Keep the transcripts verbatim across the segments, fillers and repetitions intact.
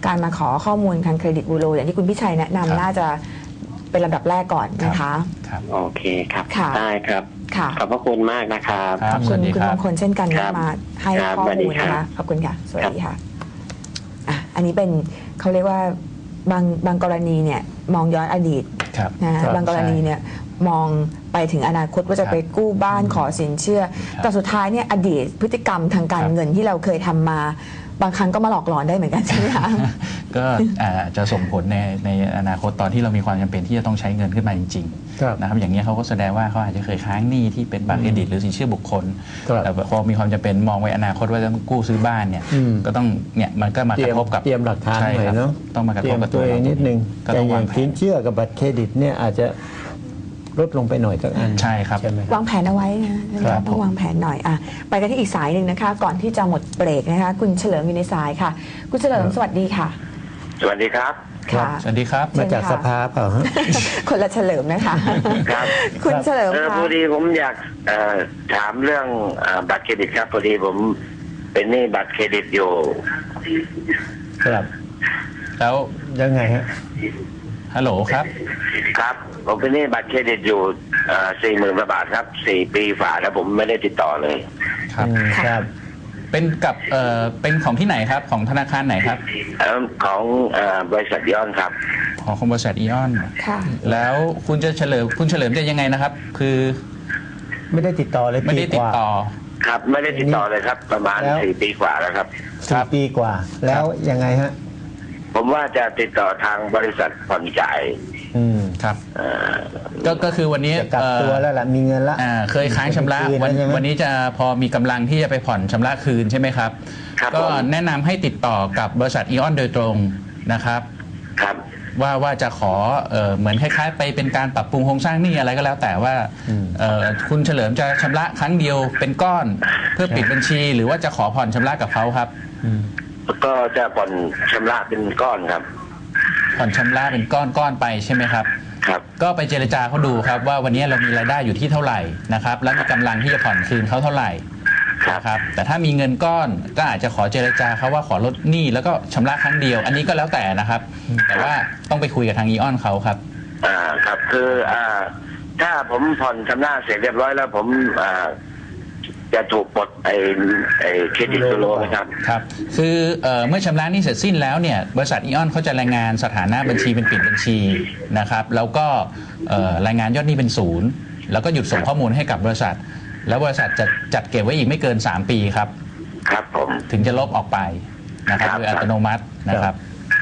การมาขอข้อมูลทางเครดิตบูโรอย่างที่คุณพิชัยแนะนำน่าจะเป็นลำดับแรกก่อนนะคะครับโอเคครับได้ครับขอบพระคุณมากนะครับขอบคุณคุณมงคลเช่นกันที่มาให้ข้อมูลนะคะขอบคุณค่ะสวัสดีค่ะอ่ะอันนี้เป็นเขาเรียกว่าบางบางกรณีเนี่ยมองย้อนอดีตนะบางกรณีเนี่ยมองไปถึงอนาคตว่าจะไปกู้บ้านขอสินเชื่อแต่สุดท้ายเนี่ยอดีตพฤติกรรมทางการเงินที่เราเคยทำมาบางครั้งก็มาหลอกหลอนได้เหมือนกันใช่ไหมคะก็จะส่งผลในในอนาคตตอนที่เรามีความจำเป็นที่จะต้องใช้เงินขึ้นมาจริงๆนะครับอย่างนี้เขาก็แสดงว่าเขาอาจจะเคยค้างหนี้ที่เป็นบัตรเครดิตหรือสินเชื่อบุคคลแต่พอมีความจำเป็นมองไว้อนาคตว่าจะต้องกู้ซื้อบ้านเนี่ยก็ต้องเนี่ยมันก็มากระทบกับเตรียมหลักฐานหน่อยเนาะต้องมากระทบกับตัวเองนิดนึงแต่อย่างสินเชื่อกับบัตรเครดิตเนี่ยอาจจะลดลงไปหน่อยสักอันใช่ครับวางแผนเอาไว้นะต้องวางแผนหน่อยอ่ะไปกันที่อีกสายหนึ่งนะคะก่อนที่จะหมดเบรกนะคะคุณเฉลิมอยู่ในสายค่ะคุณเฉลิมสวัสดีค่ะสวัสดีครับค่ะสวัสดีครับมาจากสภาเปล่าคนละเฉลิมนะคะครับคุณเฉลิมค่ะพอดีผมอยากถามเรื่องบัตรเครดิตครับพอดีผมเป็นหนี้บัตรเครดิตอยู่ครับแล้วยังไงฮะฮัลโหลครับครับผมเป็นหนี้บัตรเครดิตอยู่สี่หมื่นบาทครับสี่ปีฝ่าแล้วผมไม่ได้ติดต่อเลยครับครับเป็นกับเอ่อเป็นของที่ไหนครับของธนาคารไหนครับของบริษัทอีออนครับของบริษัทอีออนค่ะแล้วคุณจะเฉลิมคุณเฉลิมจะยังไงนะครับคือไม่ได้ติดต่อเลยไม่ได้ติดต่อครับไม่ได้ติดต่อเลยครับประมาณสี่ปีกว่าแล้วครับสี่ปีกว่าแล้วยังไงฮะผมว่าจะติดต่อทางบริษัทผ่อนจ่ายอืมครับก็ก็คือวันนี้กลับตัวแล้วล่ะมีเงินละเคยค้างชำระวันวันนี้จะพอมีกำลังที่จะไปผ่อนชำระคืนใช่ไหมครับก็แนะนำให้ติดต่อกับบริษัทอีออนโดยตรงนะครับครับว่าว่าจะขอเหมือนคล้ายๆไปเป็นการปรับปรุงโครงสร้างหนี้อะไรก็แล้วแต่ว่าคุณเฉลิมจะชำระครั้งเดียวเป็นก้อนเพื่อปิดบัญชีหรือว่าจะขอผ่อนชำระกับเขาครับก็จะผ่อนชำระเป็นก้อนครับผ่อนชำระเป็นก้อนก้อนไปใช่ไหมครับครับก็ไปเจรจาเขาดูครับว่าวันนี้เรามีรายได้อยู่ที่เท่าไหร่นะครับแล้วมีกำลังที่จะผ่อนคืนเขาเท่าไหร่นะครับแต่ถ้ามีเงินก้อนก็อาจจะขอเจรจาเขาว่าขอลดหนี้แล้วก็ชำระครั้งเดียวอันนี้ก็แล้วแต่นะครับแต่ว่าต้องไปคุยกับทางอีออนเขาครับอ่าครับคืออ่าถ้าผมผ่อนชำระเสร็จเรียบร้อยแล้วผมอ่าจะถูกปลดไอ้ไอ้เครดิตบูโรนะครับครับคือเอ่อเมื่อชำระหนี้เสร็จสิ้นแล้วเนี่ยบริษัทอีออนเขาจะรายงานสถานะบัญชีเป็นปิดบัญชีนะครับแล้วก็เอ่อรายงานยอดหนี้เป็นศูนย์แล้วก็หยุดส่งข้อมูลให้กับบริษัทแล้วบริษัทจะจัดเก็บไว้อีกไม่เกินสามปีครับครับผมถึงจะลบออกไปนะครับโดยอัตโนมัตินะครับ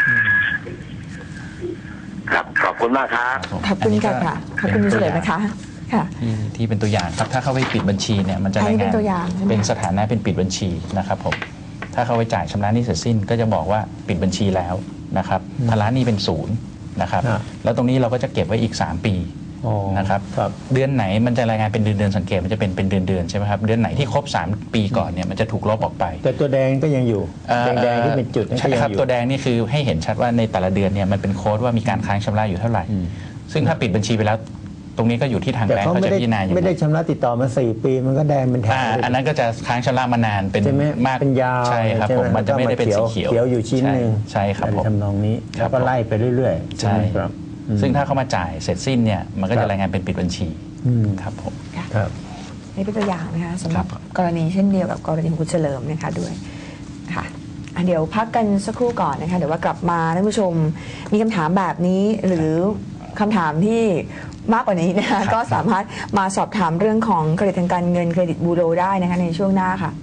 ครับขอบคุณมากครับขอบคุณค่ะขอบคุณเฉลิมนะคะที่ที่เป็นตัวอย่างครับถ้าเข้าไปปิดบัญชีเนี่ยมันจะรายงานเป็นสถานะเป็นปิดบัญชีนะครับผมถ้าเข้าไปจ่ายชำระหนี้เสร็จสิ้นก็จะบอกว่าปิดบัญชีแล้วนะครับภาระหนี้เป็นศูนย์นะครับแล้วตรงนี้เราก็จะเก็บไว้อีกสามปีนะครับเดือนไหนมันจะรายงานเป็นเดือนเดือนสังเกตมันจะเป็นเป็นเดือนเดือนใช่ไหมครับเดือนไหนที่ครบสามปีก่อนเนี่ยมันจะถูกลบออกไปแต่ตัวแดงก็ยังอยู่แดงที่เป็นจุดใช่ครับตัวแดงนี่คือให้เห็นชัดว่าในแต่ละเดือนเนี่ยมันเป็นโค้ดว่ามีการค้างชำระอยู่เท่าไหร่ซึ่งถ้าปิดบัญชีไปแล้วตรงนี้ก็อยู่ที่ทางแบงก์เขาจะพิจารณาอยู่ไม่ได้ชำระติดต่อมาสี่ปีมันก็แดงเป็นแถวอันนั้นก็จะค้างชำระมานานเป็นมากเป็นยาวใช่ครับผมมันจะไม่ได้เป็นสีเขียวเขียวอยู่ชิ้นหนึ่งใช่ครับผมทำนองนี้แล้วก็ไล่ไปเรื่อยๆใช่ครับซึ่งถ้าเขามาจ่ายเสร็จสิ้นเนี่ยมันก็จะรายงานเป็นปิดบัญชีครับผมครับนี่เป็นตัวอย่างนะคะสำหรับกรณีเช่นเดียวกับกรณีของคุณเฉลิมนะคะด้วยค่ะเดี๋ยวพักกันสักครู่ก่อนนะคะเดี๋ยวว่ากลับมาท่านผู้ชมมีคำถามแบบนี้หรือคำถามที่มากกว่านี้นะคะก็สามารถมาสอบถามเรื่องของเครดิตทางการเงินเครดิตบูโรได้นะคะในช่วงหน้าค่ะ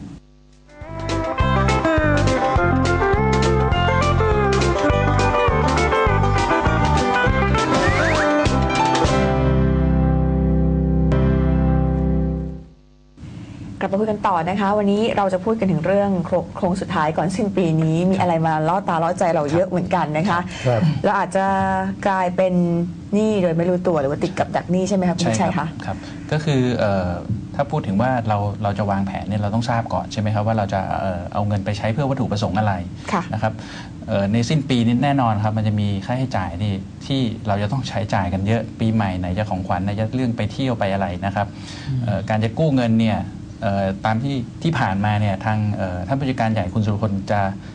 กลับมาคุยกันต่อนะคะวันนี้เราจะพูดกันถึงเรื่องโครงสุดท้ายก่อนสิ้นปีนี้มีอะไรมาล่อตาล่อใจเราเยอะเหมือนกันนะคะเราอาจจะกลายเป็นหนี้โดยไม่รู้ตัวหรือว่าติดกับดักหนี้ใช่ไหมครับคุณชัยคะครับก็คือถ้าพูดถึงว่าเราเราจะวางแผนเนี่ยเราต้องทราบก่อนใช่ไหมครับว่าเราจะเอาเงินไปใช้เพื่อวัตถุประสงค์อะไรนะครับในสิ้นปีนี้แน่นอนครับมันจะมีค่าใช้จ่ายที่ที่เราจะต้องใช้จ่ายกันเยอะปีใหม่ไหนจะของขวัญไหนจะเรื่องไปเที่ยวไปอะไรนะครับการจะกู้เงินเนี่ยตามที่ที่ผ่านมาเนี่ยทางท่านผู้จัดการใหญ่คุณสุรพลจะ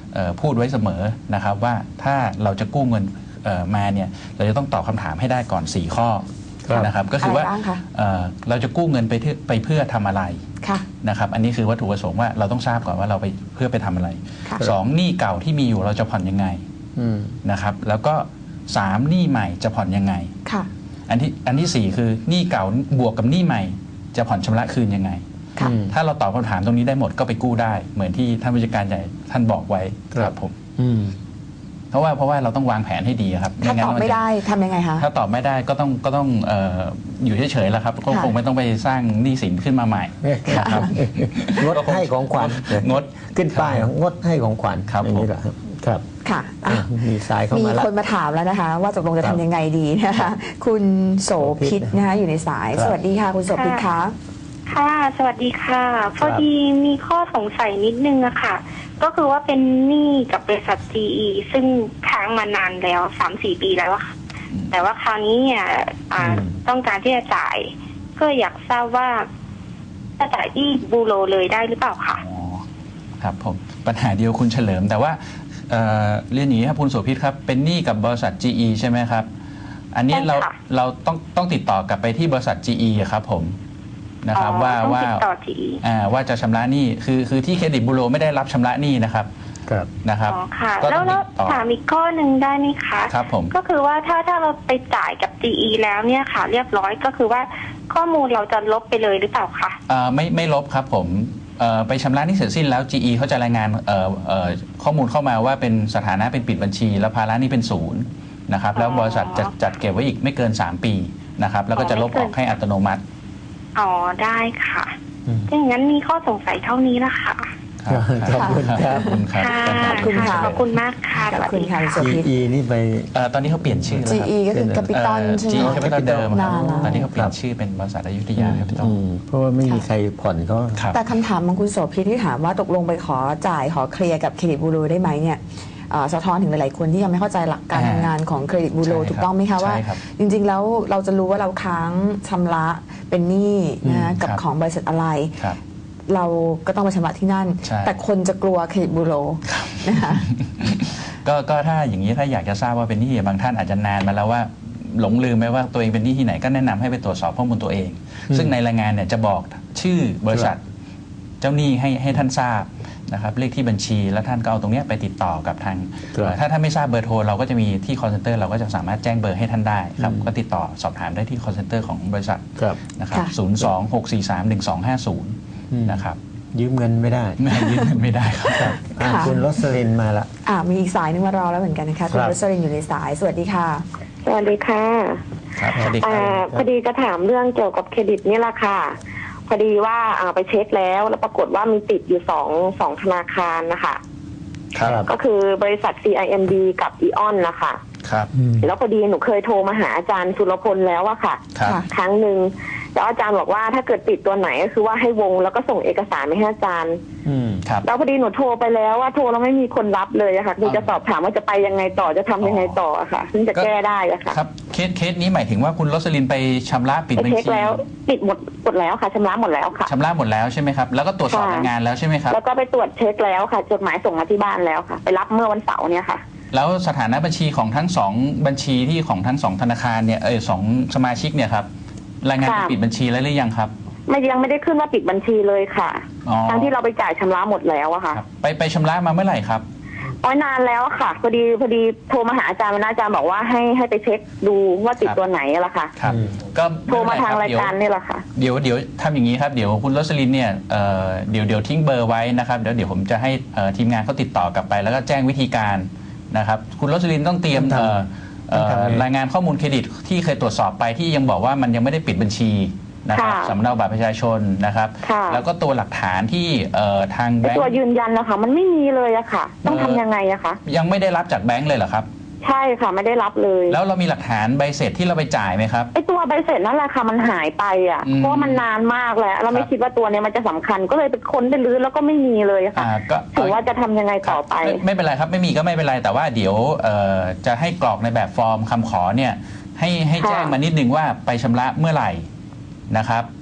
เอ่อพูดไว้เสมอนะครับว่าถ้าเราจะกู้เงินเอ่อมาเนี่ยเราจะต้องตอบคำถามให้ได้ก่อนสี่ข้อครับนะครับก็คือว่าอะไรบ้างคะเอ่อเราจะกู้เงินไปเพื่อไปเพื่อทำอะไรค่ะนะครับอันนี้คือวัตถุประสงค์ว่าเราต้องทราบก่อนว่าเราไปเพื่อไปทำอะไรค่ะสองหนี้เก่าที่มีอยู่เราจะผ่อนยังไงอืมนะครับแล้วก็สามหนี้ใหม่จะผ่อนยังไงค่ะอันที่อันที่สี่คือหนี้เก่าบวกกับหนี้ใหม่จะผ่อนชำระคืนยังไงค่ะอืมถ้าเราตอบคำถามตรงนี้ได้หมดก็ไปกู้ได้ เหมือนที่ท่านผู้จัดการใหญ่ท่านบอกไว้ครับผมอืมเพราะว่าเพราะว่าเราต้องวางแผนให้ดีครับถ้าตอบนไม่จะได้ทำยังไงคะถ้าตอบไม่ได้ก็ต้องก็ต้องเอ่ออยู่เฉยๆแล้วครับก็ค่ะคงไม่ต้องไปสร้างหนี้สินขึ้นมาใหม่นะครับงดให้ของขวัญงดขึ้นป้ายงดให้ของขวัญครับอย่างนี้ผมเหรอครับครับค่ะอ่ะอ่ะมีสายเข้ามีมาแล้วคนมาถามแล้วนะคะ ว่าตกลงจะครับทำยังไงดีนะคะ คุณโสพิษนะคะอยู่ในสายครับสวัสดีค่ะ คุณโสพิษคะค่ะ สวัสดีค่ะ พอดีมีข้อสงสัยนิดนึงอะค่ะ ก็คือว่าเป็นหนี้กับบริษัท จี อี ซึ่งค้างมานานแล้วสามสี่ปีแล้วอะค่ะ แต่ว่าคราวนี้เนี่ยอ่าอืมต้องการที่จะจ่าย ก็อยากทราบว่าจะจ่ายที่บูโรเลยได้หรือเปล่าคะอ๋อครับผมปัญหาเดียวคุณเฉลิม แต่ว่าเอ่อเรียนอย่างนี้ครับคุณโสภิตครับเป็นหนี้กับบริษัท จี อี ใช่ไหมครับอันนี้ใช่ค่ะเราเราต้องต้องติดต่อกลับไปที่บริษัท จี อี อะครับผมนะครับว่าต้องว่าติดต่อ จี อีอ่าว่าจะชำระหนี้คือคือที่เครดิตบูโรไม่ได้รับชำระหนี้นะครับครับนะครับอ๋อค่ะก็แล้ต้วองแล้ติวดต่อถามอีกข้อหนึ่งได้ไหมคะครับผมก็คือว่าถ้าถ้าเราไปจ่ายกับ จี อี แล้วเนี่ยค่ะ เรียบร้อยก็คือว่าข้อมูลเราจะลบไปเลยหรือเปล่าคะเอ่อไม่ไม่ลบครับผมเอ่อไปชำระหนี้เสร็จสิ้นแล้ว จี อี เขาจะรายงานเอ่อเอ่อข้อมูลเข้ามาว่าเป็นสถานะเป็นปิดบัญชี แล้วภาระหนี้เป็นศูนย์นะครับแล้วบริษัทจะจัดเก็บไว้อีกไม่เกิน สาม ปีนะครับแล้วก็จะลบออกให้อัตโนมัติอ๋อได้ค่ะอืมถ้าอย่างนั้นมีข้อสงสัยเท่านี้ละค่ะครับขอบคุณครับขอบคุณครับค่ะขอบคุณค่ะขอบคุณมากค่ะขอบคุณค่ะสวัสดีโสภิตจี อี นี่ไปเอ่อตอนนี้เขาเปลี่ยนชื่อแล้วจีครับอี ก็คือ c a p i t a l ใช่ไหจีมแคปิตอลเดิมครับนานแล้วตอนนี้เขาเปลี่ยนชื่อเป็นบริษัทอยุธยาแคปิตอลอืมเพราะว่าไม่มีใครผ่อนเขาครับแต่คำถามของคุณโสภิตที่ถามว่าตกลงไปขอจ่ายขอเคลียร์กับเครดิตบูโรได้ไหมเนี่ยเอ่อสะท้อนถึงหลายๆคนที่ยังไม่เข้าใจหลักการอ่าทำงานของเครดิตบูโรใช่ครับถูกต้องไหมคะว่าใช่ครับจริงๆแล้วเราจะรู้ว่าเราค้างชำระเป็นหนี้นะอืมกับครับของบริษัทอะไรครับเราก็ต้องไปชำระที่นั่นใช่แต่คนจะกลัวเครดิตบูโรนะคะก็ก็ถ้าอย่างนี้ถ้าอยากจะทราบว่าเป็นหนี้บางท่านอาจจะนานมาแล้วว่าหลงลืมไหมว่าตัวเองเป็นหนี้ที่ไหนก็แนะนำให้ไปตรวจสอบข้อมูลตัวเองอืมซึ่งในรายงานเนี่ยจะบอกชื่อบริษัทเจ้าหนี้ให้ให้ท่านทราบนะครับเลขที่บัญชีแล้วท่านก็เอาตรงเนี้ยไปติดต่อกับทางครับเอ่อถ้าท่านไม่ทราบเบอร์โทรเราก็จะมีที่ call center เราก็จะสามารถแจ้งเบอร์ให้ท่านได้ครับอืมก็ติดต่อสอบถามได้ที่ call center ของบริษัทครับนะครับค่ะศูนย์ สอง หก สี่ สาม หนึ่ง สอง ห้า ศูนย์อืมนะครับยืมเงินไม่ได้ไม่ยืมเงินไม่ได้ครับครับอ่ะค่ะคุณรสลินมาละอ่ามีอีกสายหนึงมารอแล้วเหมือนกันนะคะคุณครับรสลินอยู่ในสายสวัสดีค่ะสวัสดีค่ะครับสวัสดีคอ่ารับพอดีจะถามเรื่องเกี่ยวกับเครดิตนี่แหละค่ะ พอดีว่าอ่าไปเช็คแล้วแล้วปรากฏว่ามีติดอยู่สองสองธนาคารนะคะครับก็คือบริษัท ซี ไอ เอ็ม ดี กับอีออนนะคะครับอืมแล้วพอดีหนูเคยโทรมาหาอาจารย์สุรพลแล้วอะค่ะครับค่ะครั้งหนึ่งแล้วอาจารย์บอกว่าถ้าเกิดติดตัวไหนก็คือว่าให้วงแล้วก็ส่งเอกสารไปให้อาจารย์อืมครับแล้วพอดีหนูโทรไปแล้วว่าโทรแล้วไม่มีคนรับเลยอะค่ะคืออ๋อจะสอบถามว่าจะไปยังไงต่อจะทำยังไงต่ออะค่ะ ซึ่งจะแก้ได้อะค่ะครับเคสเคสนี้หมายถึงว่าคุณโรสลินไปชำระปิดไปบัญเช็คชีแล้วปิดหมดหมดแล้วค่ะชำระหมดแล้วค่ะชำระหมดแล้วใช่ไหมครับแล้วก็ตรวจสอบค่ะรายงานแล้วใช่ไหมครับแล้วก็ไปตรวจเช็คแล้วค่ะ จดหมายส่งมาที่บ้านแล้วค่ะ ไปรับเมื่อวันเสาร์เนี่ยค่ะแล้วสถานะบัญชีของทั้งสองบัญชีที่ของทั้งสองธนาคารเนี่ยเออสองสมาชิกเนี่ยครับรายงานค่ะปิดบัญชีแล้วหรือยังครับไม่ยังไม่ได้ขึ้นว่าปิดบัญชีเลยค่ะอ๋อทั้งที่เราไปจ่ายชำระหมดแล้วอะค่ะครับไปไปชำระมาเมื่อไหร่ครับอ๋อนานแล้วอะค่ะพอดีพอดีโทรมาหาอาจารย์วันนั้นอาจารย์บอกว่าให้ให้ไปเช็คดูว่าติดครับตัวไหนอะล่ะค่ะครับอืมก็โทรมาทางไเป็รายนไคการบนี่แหละค่ะเดี๋ยวเดี๋ยวทำอย่างนี้ครับเดี๋ยวคุณโรสลินเนี่ยเอ่อเดี๋ยวเดี๋ยวทิ้งเบอร์ไว้นะครับเดี๋ยวเดี๋ยวผมจะให้เอ่อทีมงานเขาติดต่อกลับไป แล้วก็แจ้งวิธีการนะครับคุณโรสลินต้องเตรียมต้องทำเอ่อเอ่อต้องทำไงรายงานข้อมูลเครดิตที่เคยตรวจสอบไปที่ยังบอกว่ามันยังไม่ได้ปิดบัญชีนะครับค่ะสำเนาบัตรประชาชนนะครับค่ะแล้วก็ตัวหลักฐานที่เอ่อทางแบไอ้งตัวค์ยืนยันนะคะมันไม่มีเลยอะค่ะ ต้องเอ่ทำอยังไงอะคะยังไม่ได้รับจากแบงค์เลยเหรอครับใช่ค่ะไม่ได้รับเลยแล้วเรามีหลักฐานใบเสร็จที่เราไปจ่ายไหมครับไอ้ตัวใบเสร็จนั่นแหละค่ะมันหายไปอะอืมเพราะว่ามันนานมากแล้ว เราไม่ครับคิดว่าตัวเนี้ยมันจะสำคัญก็เลยไปค้นไปรื้อแล้วก็ไม่มีเลยอะค่ะอ่าก็ถือว่าจะทำยังไงครับต่อไปไม่ไม่เป็นไรครับไม่มีก็ไม่เป็นไรแต่ว่าเดี๋ยวเอ่อจะให้กรอกในแบบฟอร์มคำขอเนี่ยให้ให้ค่ะแจ้งมานิดนึงว่าไปชำระเมื่อไหร่นะครับ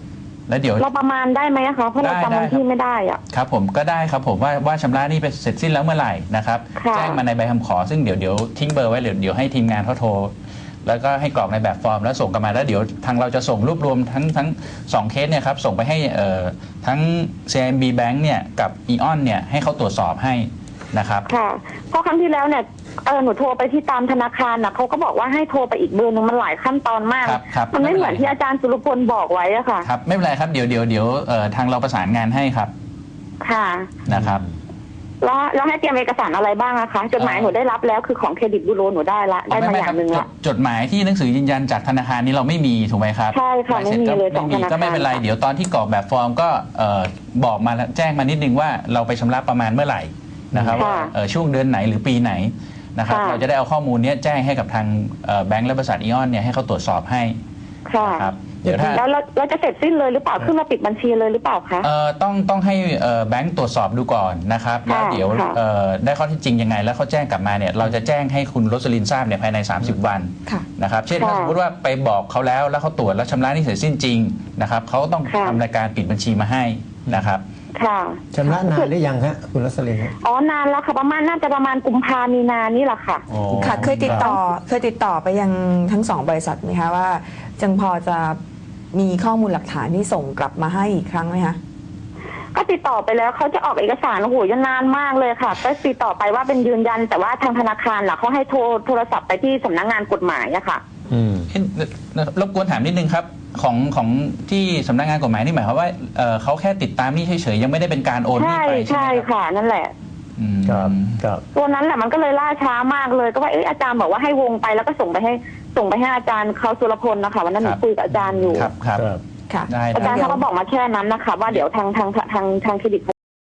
แล้วเดี๋ยวเราประมาณได้ไหมอะคะเพราะเราได้จำวันได้ที่ไม่ได้อ่ะครับผมก็ได้ครับผมว่าว่าชำระหนี้ไปเสร็จสิ้นแล้วเมื่อไหร่นะครับค่ะแจ้งมาในใบคำขอซึ่งเดี๋ยวเดี๋ยวทิ้งเบอร์ไว้เดี๋ยวเดี๋ยวให้ทีมงานเขาโทร แล้วก็ให้กรอกในแบบฟอร์มแล้วส่งกลันมาแล้วเดี๋ยวทางเราจะส่งรวบรวมทั้งทั้งสองเคสเนี่ยครับส่งไปให้เอ่อทั้ง ซี เอ็ม บี Bank เนี่ยกับ อี ออน เนี่ยให้เขาตรวจสอบให้นะครับค่ะเพราะครั้งที่แล้วเนี่ยเออหนูโทรไปที่ตามธนาคารนะเขาก็บอกว่าให้โทรไปอีกเบอร์นึงมันหลายขั้นตอนมากครับครับมันไม่ไม่เป็นเหไรมือนที่อาจารย์สุรพลบอกไว้อะค่ะครับไม่เป็นไรครับเดี๋ยวเดี๋ยวเดี๋ยวเอ่อทางเราประสานงานให้ครับค่ะนะครับแล้วแล้วให้เตรียมเอกสารอะไรบ้างอะคะจดหมายหนูได้รับแล้วคือของเครดิตบูโรหนูได้ละได้มาอย่างหนึ่งจละดจดหมายที่หนังสือยืนยันจากธนาคารนี้เราไม่มีถูกไหมครับใช่ค่ะใบสร็จก็ไม่มีเลยไม่มีของธนาคารก็ไม่เป็นไรเดี๋ยวตอนที่กรอกแบบฟอร์มก็เอ่อบอกมาแล้วแจ้งมานิดนึงว่าเราไปชำระประมาณเมื่อไหร่นะครับว่าเอ่อช่วงเดือนไหนหรือปีไหนนะครับเราจะได้เอาข้อมูลนี้แจ้งให้กับทางเอ่อแบงก์และบริษัทอีออนเนี่ยให้เขาตรวจสอบให้ค่ะครับเดี๋ยวถ้าแล้วเราเราจะเสร็จสิ้นเลยหรือเปล่าขึ้นมาปิดบัญชีเลยหรือเปล่าคะเอ่อต้องต้องให้เอ่อแบงก์ตรวจสอบดูก่อนนะครับแล้วเดี๋ยวค่ะเอ่อได้ข้อเท็จจริงยังไง แล้วเขาแจ้งกลับมาเนี่ยเราจะแจ้งให้คุณโรสลินทราบเนี่ยภายใน สามสิบ วันค่ะนะครับเช่นถ้าค่ะสมมติว่าไปบอกเขาแล้วแล้วเขาตรวจแล้วชำระหนี้เสร็จสิ้นจริงนะครับเขาก็ต้องค่ะทำรายการปิดบัญชีมาให้นะครับค่ะชำระนานหรือยังฮะคุณรัศลินฮะอ๋อนานแล้วค่ะประมาณน่าจะประมาณกุมภามีนานี่แหละค่ะอ๋อค่ะเคยติดต่อเคยติดต่อไปยังทั้งสองบริษัทไหมคะว่าจึงพอจะมีข้อมูลหลักฐานที่ส่งกลับมาให้อีกครั้งไหมคะก็ติดต่อไปแล้วเขาจะออกเอกสารโอ้โหยนานมากเลยค่ะ ก็ติดต่อไปว่าเป็นยืนยัน แต่ว่าทางธนาคารล่ะเขาให้โทรโทรศัพท์ไปที่สำนักงานกฎหมายอะค่ะอืมเอ๊ะรบกวนถามนิดนึงครับของของที่สำนักงานกฎหมายนี่หมายความว่าเอ่อเขาแค่ติดตามหนี้เฉยๆยังไม่ได้เป็นการโอนหนี้ใช่ไปใช่ใช่ไหมครับค่ะนั่นแหละอืมครับครับตัวนั้นแหละมันก็เลยล่าช้ามากเลยก็ว่าเอ๊ะอาจารย์บอกว่าให้วงไปแล้วก็ส่งไปให้ส่งไปให้อาจารย์เขาสุรพลนะคะวันนั้นหนูคุยกับอาจารย์อยู่ครับครับครับค่ะได้อาจารย์ได้เขาก็บอกมาแค่นั้นนะคะว่าเดี๋ยวทางทางทางทางเครดิต